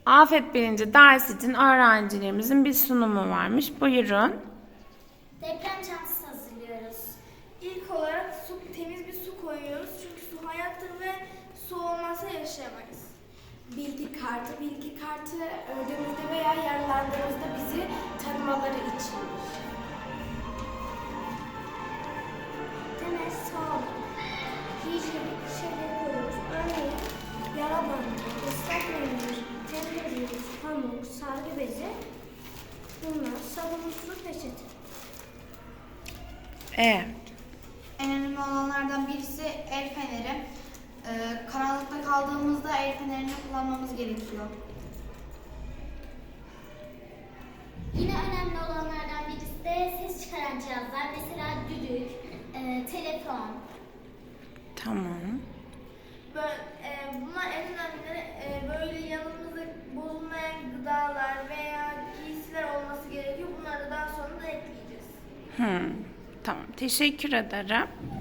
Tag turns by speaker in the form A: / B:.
A: Afet bilinci ders için öğrencilerimizin bir sunumu varmış. Buyurun.
B: Deprem çantası hazırlıyoruz.
C: İlk olarak temiz bir su koyuyoruz çünkü su hayattır ve su olmazsa yaşayamayız.
D: Bilgi kartı öldüğümüzde veya yaralandığımızda bizi tanımaları içindir.
B: Temel sağlık. Hijyenik şeyleri koyuyoruz. Örneğin yara bandı, ıslak mendil, temizlik, pamuk, sargı bezi. Bunlar sabun, su, peçete.
A: Evet.
E: En önemli olanlardan birisi el feneri. Karanlıkta kaldığımızda el fenerini kullanmamız gerekiyor.
B: Yine önemli olanlardan birisi de ses çıkaran cihazlar. Mesela düdük, telefon.
A: Tamam.
C: Bunlar en önemlileri. Böyle yanımızda bozulmayan gıdalar veya giysiler olması gerekiyor. Bunları da daha sonra da ekleyeceğiz.
A: Tamam. Teşekkür ederim.